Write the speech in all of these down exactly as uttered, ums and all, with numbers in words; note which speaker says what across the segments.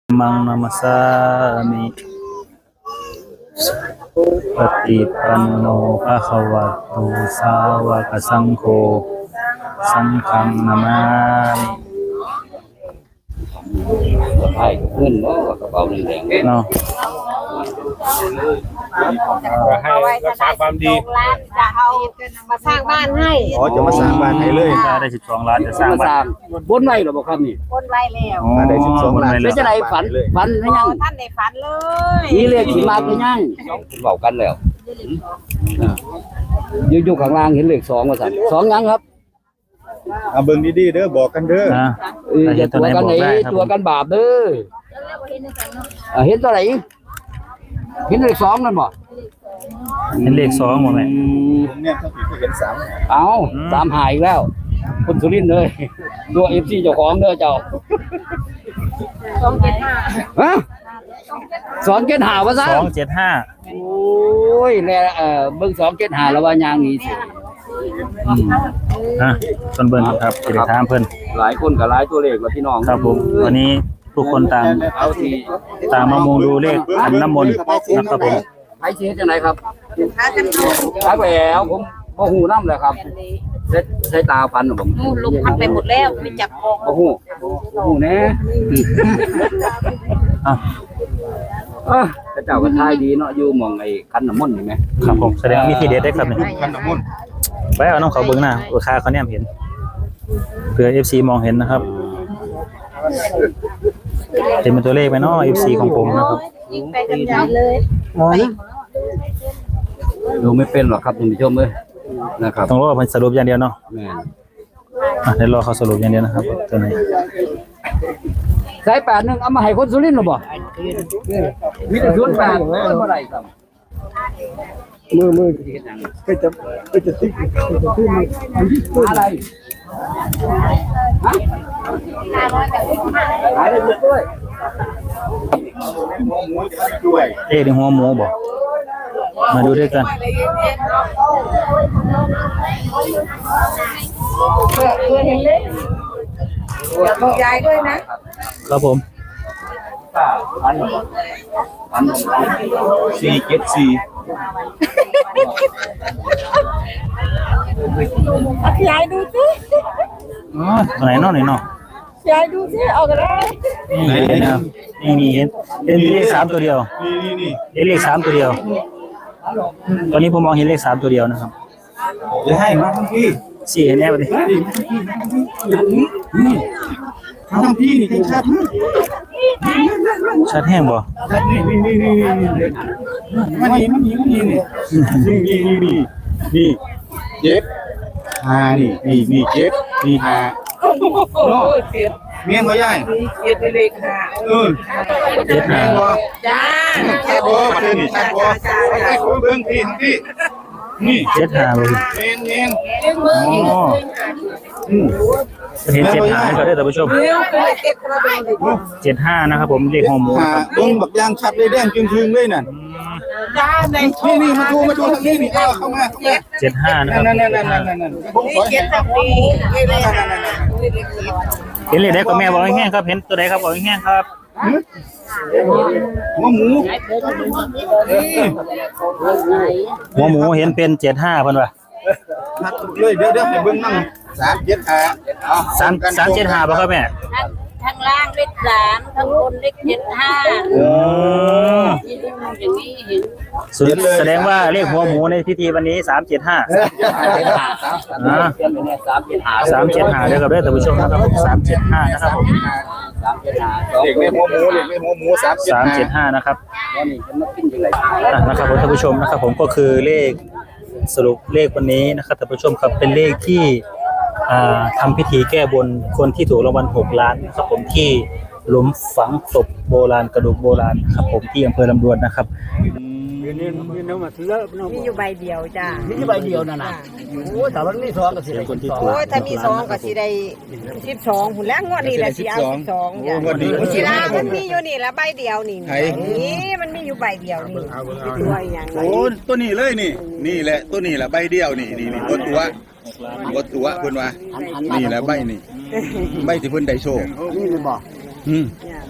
Speaker 1: มังนามัสสามิปฏิปันโนภะคะวะโตสาวกสังโฆสังฆังนามามิ
Speaker 2: ใช่เงินเนาะกระเป๋าเงินแดง
Speaker 1: เนาะ
Speaker 3: ให้รักษาความดี
Speaker 4: จะเอามาสร้างบ้านให้
Speaker 3: อ๋อจะมาสร้างบ้านให้เลย
Speaker 1: ได้สิบสองล้านจะสร้างบ้าน
Speaker 2: บนไว้หรอบ่ครับนี่
Speaker 4: บนไว้แล้ว
Speaker 3: มาได้สิบสองล้าน
Speaker 2: เป็นจังได๋ฝันฝันหรือยัง
Speaker 4: ท่านได้ฝันเลย
Speaker 2: มีเลขสิมาหรือยังเว้ากันแล้วอยู่อยู่ข้างล่างเห็นเลขสองว่าซั่นสองยังครับ
Speaker 3: เอาเบิ่งดีๆเด้อบอกกันเด้อ
Speaker 1: นะ
Speaker 2: เอออย่าตัวกันไหนตัวกันบาปเด้อเห็นตัวไหนเห็นเลขสองนั่นบ่
Speaker 1: เห็นเลขสองหมดไหม
Speaker 3: เนี่ยถ้าผิดก็เห็นสาม
Speaker 2: เอาสามหายอีกแล้วคนสุรินทร์เลยตัว เอฟ ซี เจ้าของเด้อเจ้า
Speaker 4: สองเจ็ดห้า
Speaker 2: ฮะสองเจ็ดห้าว่าซั่น
Speaker 1: สองเจ็ดห้า
Speaker 2: โอ้ยแล้วเอ่อเบิ่งสองเจ็ดห้าแล้วว่ายางนี้สิ
Speaker 1: อืมนะต้นเบิ่งครับสิได้ถามเพิ่น
Speaker 2: หลายคนก็หลายตัวเลขว่าพี่น้อง
Speaker 1: ครับผมวันนี้ทุกคนต่าง
Speaker 2: เอาที่
Speaker 1: ต่างมามุงดูเลขขันน้ำมนต์นะครับผม
Speaker 2: ไผสิเฮ็ดจังไดครับ
Speaker 4: หากันดู
Speaker 2: ครับแล้วผมบ่ฮู้นำเลยครับเซ็ตใช้ตาฟันผม
Speaker 4: ลุกพันไปหมดแล้วไม่จับคอ
Speaker 2: บ่ฮู้บ่ฮู้แน่
Speaker 1: อ่ะ
Speaker 2: เอ้อเจ้าก็ทายดีเนาะอยู่หม่องไอ้คันน้ำมนต์นี่แหม
Speaker 1: ครับผมแสดงมีทีเด็ดได้ครับนี่
Speaker 3: ขันน้ำมนต์
Speaker 1: ไปเอาน้องเขาเบิ่งหน้าลูกค้าเขาแนมเห็นเพื่อ เอฟ ซี มองเห็นนะครับเป็นตัวเลขไปเนาะ เอฟ ซี ของผมนะครับ
Speaker 4: ยิงไปกันใหญ่เลย
Speaker 2: ดูไม่เป็นหรอกครับท่านผู้ชมเอ้ยนะครับ
Speaker 1: ต้องรอเพิ่นสรุปอย่างเดียวเนาะ
Speaker 2: แม่น
Speaker 1: อ่ะเดี๋ยวรอเขาสรุปอย่างเดียวนะครับตัวไหน
Speaker 2: สายแปดนึงเอามาให้คนสุรินทร์หรอบ่มีแต่ศูนย์แปดบ่ได้ครับมือมือก็จะก็จะติ๊กจะติ๊กมืออะไรฮะขายได้ด้วย
Speaker 1: เอ๊ะในหัวหมูบ่มาดูด้วยกัน
Speaker 4: บอกยายด้วยนะครับ
Speaker 1: ผม
Speaker 3: สี่เจ็ดสี่
Speaker 4: ยายดูสิ
Speaker 1: อ๋อตัวไหนเนาะไหนเนาะ
Speaker 4: ยายดูสิเอากันได้
Speaker 1: นี่นะครับนี่นี่เห็นเห็นเลขสามตัวเดียว
Speaker 3: นี่นี่
Speaker 1: เห็นเลขสามตัวเดียวตอนนี้ผมมองเห็นเลขสามตัวเดียวนะครับ
Speaker 3: จะให้มาทั้งพี่
Speaker 1: สี่เห็นแน่ป่ะดิ
Speaker 3: ทั้งพี่นี่ชัด
Speaker 1: ชัดแห้งบ่
Speaker 3: นี่นี่นี่นี่นี่มันนี่มันนี่มันนี่นี่นี่นี่นี่นี่เจ็ดห้านี่นี่นี่เจ็ดนี่ห้าเนาะเมียนบ่ยาย
Speaker 4: เจ็ดเลขห้า
Speaker 3: เออเจ็ดห้าบ่
Speaker 4: จ้า
Speaker 3: ชัดบ่ประเด็นนี่ชัดบ่ไอ้คนเบิ่งพี่ทั้งพี่นี่
Speaker 1: เจ็ดห้าบ่
Speaker 3: เมียนเมียน
Speaker 1: อ๋ออืมเห็นเจ็ดห้าก็ได้ท่านผู้ชมเจ็ดห้านะครับผมเลขหัวหมูครับ
Speaker 3: เบิ่งบักยางชัดเลยแดงจึงๆเลยนั่น
Speaker 4: จ้าใน
Speaker 3: นี่นี่มาดูมาดูทางนี้นี่เอาเข้ามา
Speaker 1: เจ็ดห้านะครับ
Speaker 3: นั่นนั่นนั่นนั่นนั่น
Speaker 4: เจ็ดสักทีเลขห้า
Speaker 1: เห็นเลขได้ก็แม่บอกแห้งครับเห็นตัวใดครับบอกแห้งครับ
Speaker 3: หัวหมู
Speaker 1: หัวหมูเห็นเป็นเจ็ดห้าเพิ่นว่า
Speaker 3: นัดเลยเดี๋ยวเดี๋ยวให้เบิ่งนั่งสามเจ็ดห้า
Speaker 1: สามสามเจ็ดห้าป่ะครับแม่
Speaker 4: ข้างล่างเลขสามข้างบนเลขเจ็ดห้า
Speaker 1: อ๋อ
Speaker 4: อย่างนี้เห็น
Speaker 1: แสดงว่าเลขหัวหมูในพิธีวันนี้สามเจ็ดห้าสามเจ็ดห้าเดี๋ยวกับได้ท่านผู้ชมนะครับสามเจ็ดห้านะครับผม
Speaker 3: เด็กในหัวหมูเด็กในหัวหมูสาม
Speaker 1: สามเจ็ดห้านะครับนะครับท่านผู้ชมนะครับผมก็คือเลขสรุปเลขวันนี้นะครับท่านผู้ชมครับเป็นเลขที่ทำพิธีแก้บนคนที่ถูกรางวัลหกล้านนะครับผมที่หลุมฝังศพโบราณกระดูกโบราณครับผมที่อำเภอลำดวนนะครับ
Speaker 4: มีอยู่ใบเดียวจ้า
Speaker 2: มีอยู่ใบเดียวนั่นน่ะโอ้แต่ว่ามีสองก็สิได้คนที่
Speaker 4: โอ้ถ้ามีสองก็สิได้สิบสองหุ่นแล้วงวดนี้แหละสิเอาสิบสองจ้ะสิลามันมีอยู่นี่ละใบเดียวนี่นี่มันมีอยู่ใบเดียวนี่ตัวอย่าง
Speaker 3: โอ้ตัวนี้เลยนี่นี่แหละตัวนี้แหละใบเดียวนี่นี่นี่ตัวตัวบ่ตัวเพิ่นว่านี่แหละใบนี่ใบที่เพิ่นได้โชค
Speaker 2: นี่เลยบ่
Speaker 3: อืม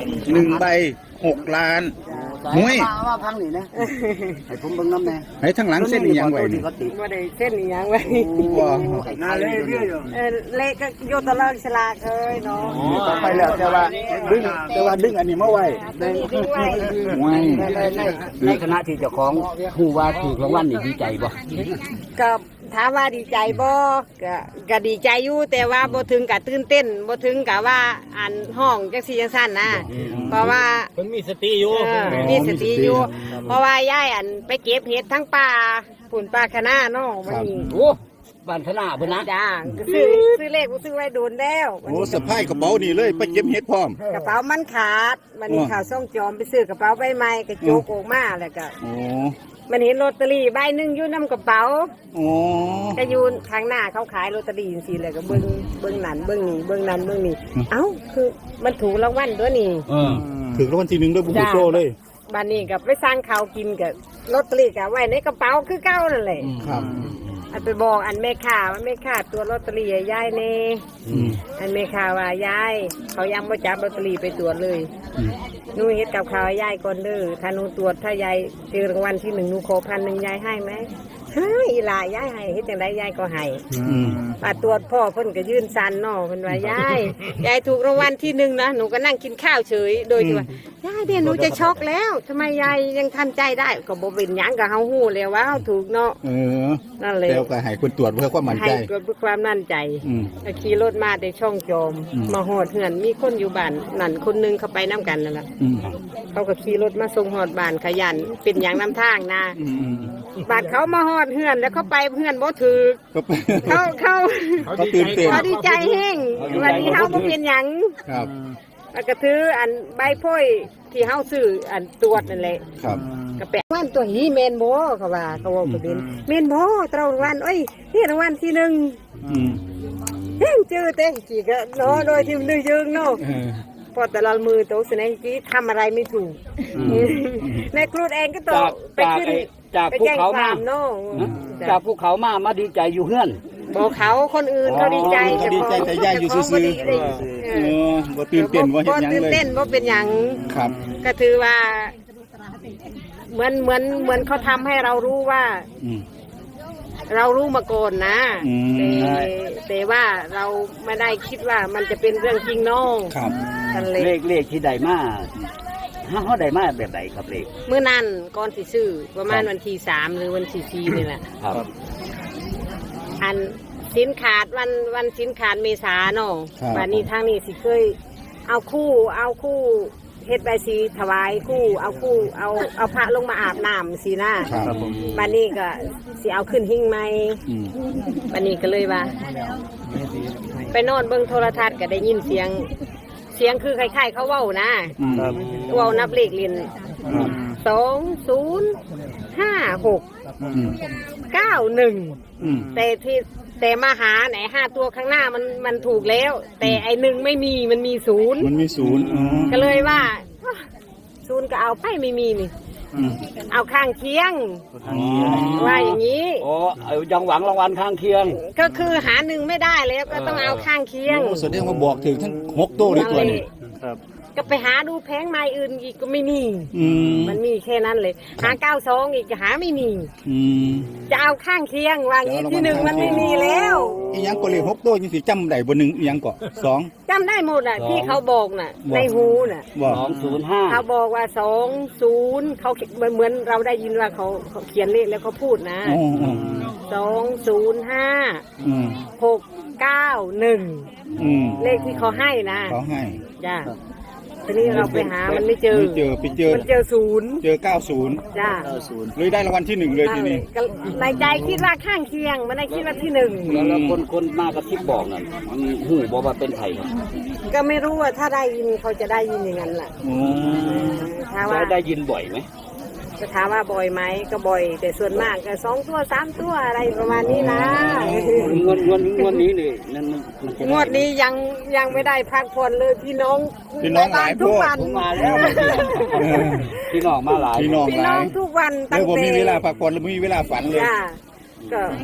Speaker 3: หนึ่งใบหกล้านมวย
Speaker 2: ว่าพังนี่นะให้ผมเบิ่งน้ำแน่
Speaker 3: ให้ทั้งหลังเส้นอีหยังไว้นี่
Speaker 4: บ่ได้เส้นอีหยังไว้
Speaker 3: ว้า
Speaker 2: นาเลยเรื่อย
Speaker 4: เออเลขก็โยตะเลิกฉลากเอ้ยเนาะ
Speaker 3: ต่อไปแล้วแต่ว่าดึงแต่ว่าดึงอันนี้มาไว้
Speaker 4: ทิ้งไว้
Speaker 3: ไว้
Speaker 2: ในคณะที่เจ้าของผู้ว่าถูกรางวัลนี่ดีใจบ่
Speaker 4: ก็ถามว่าดีใจบ่ก็ก็ดีใจอยู่แต่ว่าบ่ถึงกับตื่นเต้นบ่ถึงกับว่าอันห้องจังซี่จังซั่นนะเพราะว่า
Speaker 1: เพิ่นมีสติอยู่
Speaker 4: เออมีสติอยู่ เพราะว่ายายอันไปเก็บเห็ดทั้งป่าฝุ่นป่าคะน้าเนาะวันนี้
Speaker 2: โอ้บ้านธนาเพิ่นนะ
Speaker 4: จ้าก็ซื้อซื้อเลขกูซื้อไว้โดนแล้ว
Speaker 3: โอ้สะพายกระเป๋านี่เลยไปเก็บเห็ดพร้อม
Speaker 4: กระเป๋ามันขาดมันนี้ข่าวส่งจอมไปซื้อกระเป๋าใบใหม่กระโจกออกมาแล้วก็
Speaker 3: โอ้
Speaker 4: มันเห็นลอตเตอรี่ใบหนึ่งอยู่น้ำกระเป๋า
Speaker 3: โอ้
Speaker 4: ก็อยู่ทางหน้าเขาขายลอตเตอรี่สิเลยก็เบิ้งเบิ้งนั่นเบิ้งนี่เบิ้งนั่นเบิ้งนี่เอ้าคือมันถูกรางวัลตัวนี้
Speaker 2: เออ
Speaker 3: ถึงรางวัลที่หนึ่งด้วยบุญโชเลย
Speaker 4: บ้านนี้กับไปสร้างข่าวกินกับลอตเตอรี่กับไว้ในกระเป๋าคือเก้านั่นแหละ
Speaker 3: ครับ
Speaker 4: อันไปบอกอันแม่ข่าว่าแม่ข่าตัวลอตเตอรี่ยายเน่
Speaker 3: อืม
Speaker 4: อันแม่ข่าว่ายายเขายังไม่จับลอตเตอรี่ไปตรวจเลย
Speaker 3: อืม
Speaker 4: หนูเฮ็ดกับข่าวยายก่อนเด้อถ้าหนูตรวจถ้ายายเจอรางวัลที่หนึ่งหนูขอพันหนึ่งยายให้ไหมให้อีหลายายให้เฮ็ดจังไดยายก็ให้
Speaker 3: อืม
Speaker 4: ป้าตรวจพ่อเพิ่นก็ยื่นซันเนาะเพิ่นว่ายายยายถูกรางวัลที่หนึ่งนะหนูก็นั่งกินข้าวเฉยโดยที่ว่ายายเนี่ยหนูจะช็อกแล้วทำไมยายยังทำใจได้ก็บ่เป็นหยังก็เฮาฮู้แล้วว่าเฮาถูกเนาะ
Speaker 3: เออ
Speaker 4: นั่นเลย
Speaker 3: แล้วก็ให้คนตรวจเพื่อความมั่น
Speaker 4: ให้
Speaker 3: ใจ
Speaker 4: เกิดด้วยความมั่นใจ
Speaker 3: อืม
Speaker 4: ก็ขี่รถมาแต่ช่องจอม
Speaker 3: อืม
Speaker 4: มาหอดเหือนมีคนอยู่บ้านนั่นคนหนึงเขาไปน้กันนั่นแหละ
Speaker 3: อืม
Speaker 4: เขาก็ขี่รถมาส่งหอดบ้านขยันเป็นอย่างน้ำทางนะ
Speaker 3: อืมอืม
Speaker 4: บ้านเขามาหอดเหือนแล้วเขาไปเหือนบ่ถือ
Speaker 3: ก็ไป
Speaker 4: เขาเขา
Speaker 3: เขาตื่นเต้น
Speaker 4: เขาดีใจแห้งวันนี้เขาบ่เป็นหยัง
Speaker 3: ครับ
Speaker 4: แล้วก็ถืออันใบโพ้ยที่เฮาซื้ออันตรวจนั่นแหละ
Speaker 3: ครับ
Speaker 4: ก็แปะว่านตัวหีเมนโบเขาว่าเขาว่าประเด็นเมนโบตรารางวัลเอ้ยนี่รางวัลที่หนึ่ง
Speaker 3: อืม
Speaker 4: เฮ้ยเจอเต้กี่ก็เนาะโดยที่มันยืงเนาะ
Speaker 3: เออ
Speaker 4: พอแต่ละมือโตสนกี้ทำอะไรไม่ถูกในครูเองก็โต
Speaker 2: จาก
Speaker 4: ไป
Speaker 2: จาก
Speaker 4: ขึ้น
Speaker 2: ไอ้จาก
Speaker 4: ไป
Speaker 2: ภู
Speaker 4: แจ้ง
Speaker 2: เขา
Speaker 4: ค
Speaker 2: มาว
Speaker 4: ามเนาะ
Speaker 2: จากภูเขามามาดีใจอยู่เฮือน
Speaker 4: บอกเขาคนอื่นเขาดีใจ
Speaker 3: เขาดีใจแต่ย่าอยู่ซื่อๆ
Speaker 4: บ่ดีเลย
Speaker 3: เออบ่ตื่นเต้นว่าเฮ็ดหยัง
Speaker 4: ตื่น
Speaker 3: เลย
Speaker 4: เต้นว่าเป็นหยัง
Speaker 3: ครับ
Speaker 4: ก็ถือว่า เหมือนเหมือนเหมือนเขาทำให้เรารู้ว่า
Speaker 3: อืม
Speaker 4: เรารู้มาก่อนนะ
Speaker 3: อืม
Speaker 4: แต่แต่ว่าเราไม่ได้คิดว่ามันจะเป็นเรื่องจริงเน้อง
Speaker 3: ครับ
Speaker 4: กันเลย
Speaker 2: เลขเลขที่ได้มาฮะเขาได้มาแบบไหนครับเลข
Speaker 4: เมื่อนั้นก่อนสิซื้อประมาณวันที่สามหรือวันที่สี่นี่แหละ
Speaker 2: ครับ
Speaker 4: อันสินขาดวันวันสินขาดเมษาเนาะ
Speaker 3: ครับ
Speaker 4: วันนี้ทางนี้สิเคย เอาคู่ เอาคู่เฮ็ดใบสีถวายคู่ เอาคู่ เอาเอาพระลงมาอาบน้ำสีหน้า
Speaker 3: ครับ
Speaker 4: วันนี้ก็สิเอาขึ้นหิ้งไหม
Speaker 3: อืม
Speaker 4: วันนี้ก็เลยว่า ไปนอนเบิ่งโทรทัศน์ก็ได้ยินเสียง เสียงคือคล้ายๆเขาเว้านะ
Speaker 3: อืม
Speaker 4: เว้านับเลขเรียนสองศูนย์ห้าหก
Speaker 3: อืม
Speaker 4: เก้าหนึ่ง
Speaker 3: อืม
Speaker 4: แต่ที่แต่มาหาไหนห้าตัวข้างหน้ามันมันถูกแล้ว แต่ไอหนึ่งไม่มีมันมีศูนย์
Speaker 3: มันมีศูนย์อ๋อ
Speaker 4: ก็เลยว่าอ่ะศูนย์ก็เอาไปไม่มีนี่
Speaker 3: อืม
Speaker 4: เอาข้างเคียง
Speaker 3: อ๋อ
Speaker 4: ว่าอย่างนี้
Speaker 2: โอ้เอายังหวังรางวัลข้างเคียง
Speaker 4: ก็คือหาหนึ่งไม่ได้แล้วก็ต้องเอาข้างเคียง
Speaker 3: โอ้แสดงว่าบอกถึงทั้งหกโต้เลยตัวนี้
Speaker 4: ก็ไปหาดูแผงไม้อื่นอีกก็ไม่มี
Speaker 3: อืม
Speaker 4: มันมีแค่นั้นเลย หาเก้าสองอีกก็หาไม่มี
Speaker 3: อืม
Speaker 4: จะเอาข้างเคียงว่าอย่างนี้ที่หนึ่งมันไม่มีแล้ว
Speaker 3: อีหยังก็เลยหกโต้ยังสิจำได้บ่หนึ่งอีหยังก็สอง
Speaker 4: จำได้หมดอ่ะที่เขาบอกน่ะ
Speaker 3: บอก
Speaker 4: ในหูน่ะ
Speaker 3: บ่
Speaker 2: สองศูนย์ห้า
Speaker 4: เขาบอกว่าสองศูนย์เขาเหมือนเหมือนเราได้ยินว่าเขาเขาเขียนเลขแล้วเขาพูดนะ
Speaker 3: อ๋ออ๋อ
Speaker 4: สองศูนย์ห้า
Speaker 3: อืม
Speaker 4: หกเก้าหนึ่ง
Speaker 3: อืม
Speaker 4: เลขที่เขาให้นะ
Speaker 3: เขาให้
Speaker 4: จ้าทีนี้เราไปหามันไม่เจอ
Speaker 3: ไม่เจอไปเจอ
Speaker 4: มันเจอศูนย์
Speaker 3: เจอเก้าศูนย์
Speaker 4: จ้า
Speaker 3: เลยได้รางวัลที่หนึ่งเลยทีนี้
Speaker 4: ก็ในใจคิดว่าข้างเคียงมันได้คิดว่าที่หนึ่ง
Speaker 2: แล้วแล้วคนคนมากระซิบบอกนั่นมีหูบอกว่าเป็นไผ่
Speaker 4: ก็ไม่รู้ว่าถ้าได้ยินเขาจะได้ยินอย่างนั้นแหละ
Speaker 3: โอ้
Speaker 4: ถ้าว่า
Speaker 2: ได้ได้ยินบ่อยไหม
Speaker 4: จะถามว่าบ่อยไหมก็บ่อย แต่ส่วนมากก็สองตัวสามตัวอะไรประมาณนี้นะ
Speaker 2: งวดงวดงวดนี้เลยนั่นมันมันจะ
Speaker 4: งวดนี้ยังยังไม่ได้พักผ่อนเลยพี่น้อง
Speaker 3: พี่น้องหลาย
Speaker 4: ทุ
Speaker 3: พ
Speaker 4: ก
Speaker 3: วก
Speaker 4: วัน
Speaker 2: ผมมาแล้วพี่น้องมาหลาย
Speaker 3: พี่น้อง
Speaker 4: พี่
Speaker 3: ห
Speaker 4: น้
Speaker 3: ลา
Speaker 4: อง
Speaker 3: ย
Speaker 4: ทุกวัน
Speaker 3: แล้
Speaker 4: ตั้
Speaker 3: ว
Speaker 4: ง
Speaker 3: ผม
Speaker 4: แต่
Speaker 3: มีเวลาพักผ่อนแล้วมีเวลาฝันเลย
Speaker 4: จ้าก็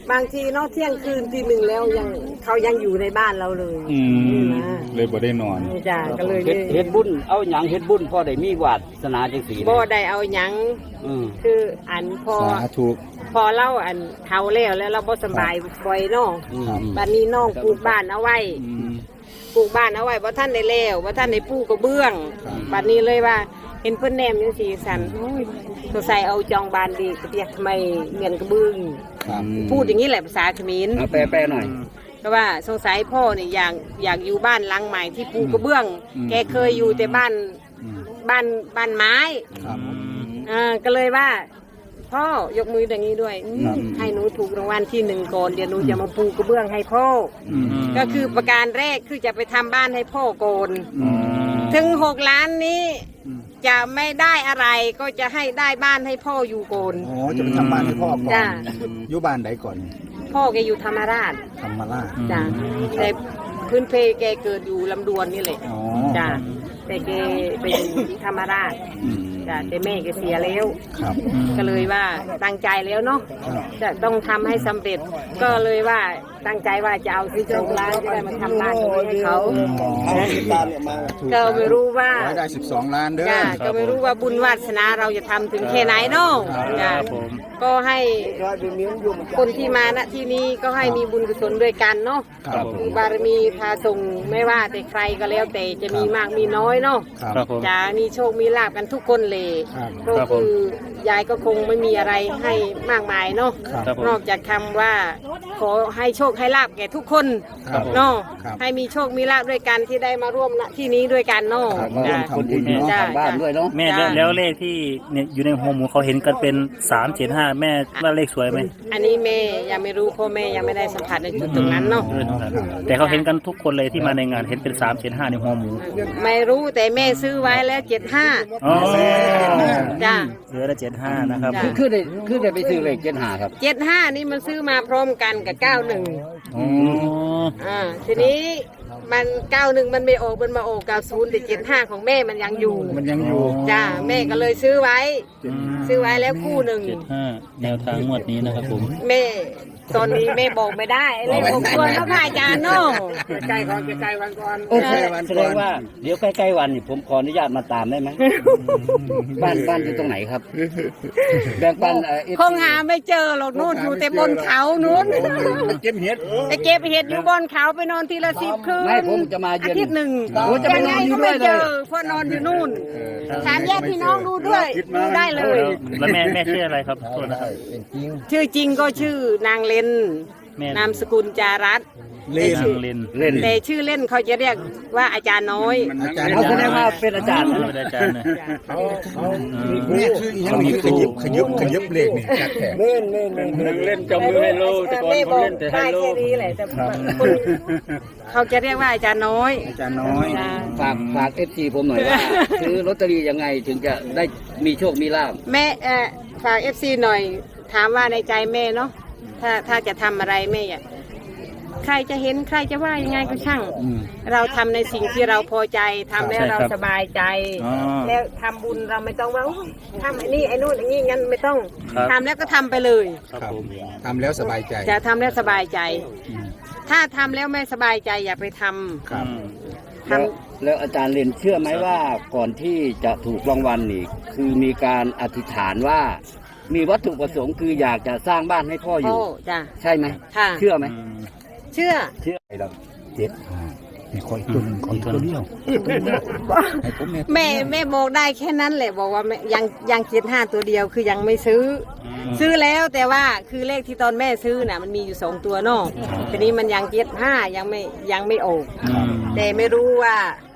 Speaker 4: บางทีเนอกเที่ยงคืนตีหนึ่งแล้วยังเขายังอยู่ในบ้านเราเลย
Speaker 3: อืม
Speaker 4: นะ
Speaker 3: เลยบ่ได้นอน
Speaker 4: จ้าก็เลย
Speaker 2: เฮ็ดเฮ็ดบุญเอาหยังเฮ็ดบุญพอได้มีวาสนาจังซี่
Speaker 4: บ่ได้เอาหยัง
Speaker 2: อืม
Speaker 4: คืออันพอ
Speaker 3: สาธุ
Speaker 4: พอเล่าอันเท่าแล้วแล้วเราบ่สบายบ่อยเนาะ
Speaker 2: อืม
Speaker 4: บัดนี้น้องปลูกบ้านเอาไว้
Speaker 3: อืม
Speaker 4: ปลูกบ้านเอาไว้บ่ท่านได้แล้วบ่ท่านได้ปูกระเบื้อง
Speaker 3: ครับ
Speaker 4: บัดนี้เลยว่าเห็นเพิ่นแนมจังซี่สั่นโอ้ยสงสัยเอาจองบ้านดีก็เรียกทำไมเมียนกระเบื้อง
Speaker 3: ครับ
Speaker 4: พูดอย่างนี้แหละภาษาเขมร
Speaker 2: เอาแปลแปลหน่อย
Speaker 4: ก็ว่าสงสัยพ่อเนี่ยอยากอยากอยู่บ้านหลังใหม่ที่ปูกระเบื้อง แกเคยอยู่แต่บ้าน
Speaker 3: อืม
Speaker 4: บ้านบ้านไม้
Speaker 3: ครับ
Speaker 4: อ่าก็เลยว่า พ่อยกมืออย่างนี้ด้วยอืม
Speaker 3: ครับ
Speaker 4: ให้หนูถูกรางวัลที่หนึ่งก่อนเดี๋ยวหนูจะมาปูกระเบื้องให้พ่อ
Speaker 3: อืม
Speaker 4: อก็คือประการแรกคือจะไปทำบ้านให้พ่อก่อน
Speaker 3: อืม
Speaker 4: ถึงหกล้านนี้
Speaker 3: อืม
Speaker 4: จะไม่ได้อะไรก็จะให้ได้บ้านให้พ่ออยู่ก่อน
Speaker 3: อ๋อจะไปทำบ้านให้พ่อก่อน
Speaker 4: จ้ะ
Speaker 3: อยู่บ้านไหนก่อน
Speaker 4: พ่อแกอยู่ธรรมราช
Speaker 3: ธรรมราช
Speaker 4: จ้ะแต่พื้นเพแกเกิดอยู่ลำดวนนี่แหละ
Speaker 3: อ๋อ
Speaker 4: จ้ะแต่แกไปอยู่ที่ธรรมราช
Speaker 3: อืม
Speaker 4: จ้ะแต่แม่แกเสียแล้ว
Speaker 3: ครับ
Speaker 4: ก็เลยว่าตั้งใจแล้วเนาะ
Speaker 3: ครับ
Speaker 4: จะต้องทำให้สำเร็จ ก็เลยว่าตั้งใจว่าจะเอาซื้อโรงร้านจะได้มาทำบ้านตรงนี้ให้เขา ก็ไม่รู้ว่า
Speaker 3: รายได้สิบสองล้านเด้อ
Speaker 4: จ้ะก็ไม่รู้ว่าบุญวาสนาเราจะทำถึงแค่ไหนเนาะจ้ะก็ให้คนที่มาณที่นี้ก็ให้มีบุญกุศลด้วยกันเนาะ
Speaker 3: ครับผม
Speaker 4: บารมีพาส่งไม่ว่าแต่ใครก็แล้วแต่จะมีมากมีน้อยเนาะ
Speaker 3: ครับ
Speaker 4: จะมีโชคมีลาบกันทุกคนเลย
Speaker 3: ครับ
Speaker 4: ก็คือยายก็คงไม่มีอะไรให้มากมายเนาะ
Speaker 3: ครับ
Speaker 4: นอกจากคำว่าขอให้โชคให้ลาบแก่ทุกคน
Speaker 3: ครับ
Speaker 4: เนาะ
Speaker 3: ครับ
Speaker 4: ให้มีโชคมีลาบด้วยกันที่ได้มาร่วมณที่นี้ด้วยกันเนาะ
Speaker 3: ครับมาร่วม
Speaker 4: จ้ะ
Speaker 3: ทำบุญเนาะ
Speaker 4: จ้ะ
Speaker 2: ทางบ้านด้วยเนาะ
Speaker 1: แม่แล้ว
Speaker 4: จ้ะ
Speaker 1: แล้วเลขที่เนี่ยอยู่ในหัวหมูเขาเห็นกันเป็นสามเจ็ดห้าแม่ว่าเลขสวยไหม
Speaker 4: อันนี้แม่ยังไม่รู้เพราะแม่ยังไม่ได้สัมผัสในจุดตรงนั้นเนาะ
Speaker 1: แต่เขาเห็นกันทุกคนเลยที่มาในงานเห็นเป็นสามเจ็ดห้าในหัวหมู
Speaker 4: ไม่รู้แต่แม่ซื้อไว้แล้วเจ็ดห้า
Speaker 1: อ๋อ
Speaker 4: จ้ะ
Speaker 1: เหลือละเจ็ดห้านะครับ
Speaker 4: จ้ะ
Speaker 2: คือคือได้คือได้ไปซื้อเลขเจ็ดห้าครับ
Speaker 4: เจ็ดห้านี่มันซื้อมาพร้อมกันกับเก้าหนึ่ง
Speaker 1: อ๋อ
Speaker 4: อ่าทีนี้มันเก้าหนึ่งมันไม่ออกมันมาออกเก้าศูนย์แต่เจ็ดห้าของแม่มันยังอยู่
Speaker 3: มันยังอยู่
Speaker 4: จ้าแม่ก็เลยซื้อไว้ ซื้อไว้แล้วคู่หนึ่ง
Speaker 1: เจ็ดห้าแนวทางงวดนี้นะครับผม
Speaker 4: แม่ตอนนี้แม่บอกไม่ได้เลขผมควรแล้วพระอาจารย์เนาะใกล้ก่อนใกล้วันก่อน
Speaker 2: โอเคแสดงว่าเดี๋ยวใกล้ๆวันนี่ผมขออนุญาตมาตามได้ไหม บ้านบ้านอยู่ตรงไหนครับ แบ่งปันเอ่อ
Speaker 4: คงหาไม่เจอหรอกนู่นอยู่แต่บนเขานู้น
Speaker 3: เก็บเห็ด
Speaker 4: ไปเก็บเห็ดอยู่บนเขาไปนอนทีละสิบคืน
Speaker 2: ไม่ผมจะมา
Speaker 4: อา
Speaker 2: เย็น
Speaker 4: ทิตย์หนึ่ง
Speaker 2: ผมจะไปนอนอยู่ด้วย
Speaker 4: งไงก็ไม่
Speaker 2: เล
Speaker 4: เจ
Speaker 2: ย
Speaker 4: อเพราะนอนอยู่นู่นถามญาติพี่น้องดูด้วยดูได้เลย
Speaker 1: แล้วแม่แม่ชื่ออะไรครับโทษนะครับ
Speaker 4: ชื่อจริงก็ชื่อนางเลน
Speaker 1: แม่
Speaker 4: นามสกุลจารัตน์
Speaker 3: เล่น
Speaker 1: นางเลน
Speaker 2: เล่น
Speaker 4: แต่ชื่อเล่นเขาจะเรียกว่าอาจารย์น้อย
Speaker 3: อาจารย์
Speaker 2: เขาแสดงว่าเป็นอาจารย์นะ
Speaker 1: เป็นอาจารย์นะ
Speaker 3: แม่คืออีหยังนี่ขยิบขยิบขยิบเลขนี่จัดแขก
Speaker 2: เล่นเล่นเล่นเล่นจำมือให้โลแต่ก่อนเขาเล่นแต่ให้
Speaker 4: ได้
Speaker 2: โล
Speaker 4: แค่นี้แหละแต่คนเขาจะเรียกว่าอาจารย์น้อย
Speaker 3: อาจารย์น้อย
Speaker 4: จ้ะ
Speaker 2: ฝากฝากเอฟซีผมหน่อยว่า ซื้อลอตเตอรี่ยังไงถึงจะได้มีโชคมีลาบ
Speaker 4: แม่เอ่อฝากเอฟซีหน่อย ถามว่าในใจแม่เนาะถ้าถ้าจะทำอะไรแม่อยากใครจะเห็นใครจะว่ายังไงก็ช่าง
Speaker 3: อืม
Speaker 4: เราทำในสิ่งที่เราพอใจทำแล้วเราสบายใจ
Speaker 1: อ๋อ
Speaker 4: แล้วทำบุญเราไม่ต้องว่าโอ้ยทำไอ้นี่ไอ้นู่นไอ้นี่งั้นไม่ต้อง
Speaker 1: ครับ
Speaker 4: ทำแล้วก็ทำไปเลย
Speaker 1: ครับผม
Speaker 3: ทำแล้วสบายใจ
Speaker 4: จะทำแล้วสบายใจ
Speaker 3: อืม
Speaker 4: ถ้าทำแล้วไม่สบายใจอย่าไปทำ
Speaker 3: ครับ
Speaker 4: ท
Speaker 2: แล้วแล้วอาจารย์เรียนเชื่อไหมว่าก่อนที่จะถูกรางวัลนี่คือมีการอธิษฐานว่า มีวัตถุประสงค์คืออยากจะสร้างบ้านให้พ่อ
Speaker 4: ำ
Speaker 2: อยู่
Speaker 4: โอ้จ้ะ
Speaker 2: ใช่ไหม
Speaker 4: ค่ะ
Speaker 2: เชื่อไหม
Speaker 4: เชื่อ
Speaker 2: เชื่อเรา
Speaker 3: เจ็ดห้ามีคอยตัวหนึ่งคอยตัวเดียวให้ผมเนี่ย
Speaker 4: แม่แม่บอกได้แค่นั้นแหละบอกว่าแม่ยังยังเจ็ดห้าตัวเดียวคือยังไม่ซื้ออซื้อแล้วแต่ว่าคือเลขที่ตอนแม่ซื้อน่ะมันมีอยู่สองตัวเนอกทีนี้มันยังเจ็ดห้ายังไม่ยังไม่ออกแต่ไม่รู้ว่า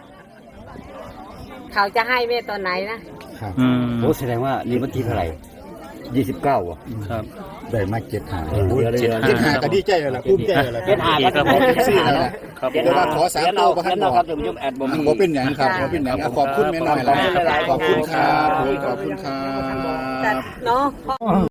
Speaker 4: เขาจะให้แม่ตอนไหนนะ
Speaker 3: ครับ
Speaker 1: อืม
Speaker 2: โอ้แสดงว่านี่วันที่เท่าไหร่ยี่สิบเก้าอ่ะ
Speaker 1: ครับ
Speaker 3: ได้มาเจ็ดห้า
Speaker 2: เดี๋ยวเดี๋ยว
Speaker 3: เจ็ดห้าก็ดีใจเลยล่ะภูมิใจเลยล่ะ
Speaker 2: เจ็ดห้าก็
Speaker 1: ครับ
Speaker 2: ผม
Speaker 3: สี่แล้วล่ะ
Speaker 1: ครับ
Speaker 2: เจ็ด
Speaker 3: แต่
Speaker 2: ห้า
Speaker 3: ว่าขอสาม
Speaker 2: เขียน
Speaker 3: ตั
Speaker 2: เอา
Speaker 3: วบ่ทั
Speaker 2: เขีย
Speaker 3: น
Speaker 2: น
Speaker 3: บ
Speaker 2: เอา
Speaker 3: อก
Speaker 2: ครับเดี๋ยวผมจะแอดบ่มี
Speaker 3: บ่เป็นหยังครับบ่เป็นหยังอ่ะขอบคุณแม่น้อยล่ะขอบคุณครับผมขอบคุณครั
Speaker 4: แต่
Speaker 3: บ
Speaker 4: เนาะ